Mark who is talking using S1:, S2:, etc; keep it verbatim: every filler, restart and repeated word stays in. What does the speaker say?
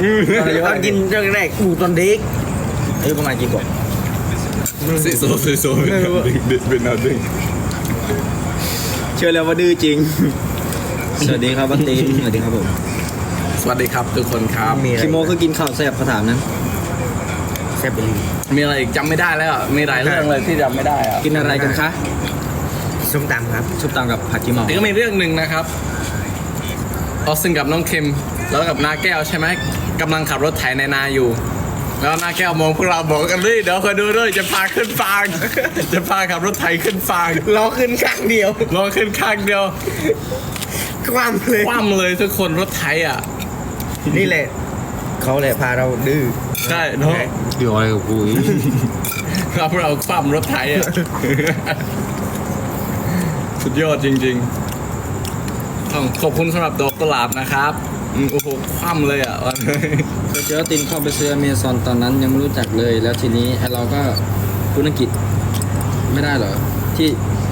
S1: ตอนกินเรื่องแรกอูตอนเด็กอายุประมาณกี่ขวบ
S2: สิโซสิโซเป็นนาดึง
S1: เชื่อแล้วว่าดื้อจริงสวัสดีครับบัตตีสวัสดีครับผม
S2: สวัสดีครับทุกคนครับ
S1: คิโมคือกินข้าวแซ่บกระถามนั้นแซ่บไปเลย
S2: มีอะไรอีกจำไม่ได้แล้วมีหลายเรื่องเลยที่จำไม่ได้อะ
S1: กินอะไรกันคะส้มตำครับส้มตำกับผัดกิมอ
S2: นี่ก็มีเรื่องหนึ่งนะครับออสซินกับน้องคิมแล้วกับนาแก้วใช่ไหมกำลังขับรถไถในนาอยู่แล้วนาแก้วมองพวกเราบอกกันเลยเดี๋ยวคอยดูด้วยจะพาขึ้นฟางจะพาขับรถไถขึ้นฟาง
S1: ล้อขึ้นข้างเดียว
S2: ล้อขึ้นข้างเดียว
S1: คว่ำเลย
S2: คว่ำเลยทุกคนรถไถอ่ะ
S1: นี่แหละเขาแหละพาเราดื้อ
S2: ใช่เนาะ
S1: เดี๋ยวอะไรกับกูอีก
S2: เราเราคว่ำรถไถอ่ะสุดยอดจริงๆต้องขอบคุณสำหรับดอกกุหลาบนะครับโอ้โหคว่ำเลยอ่ะ
S1: เจอตินเข้าไปซื้ออเมซอนตอนนั้นยังไม่รู้จักเลยแล้วทีนี้เราก็พูดอังกฤษไม่ได้เหรอที่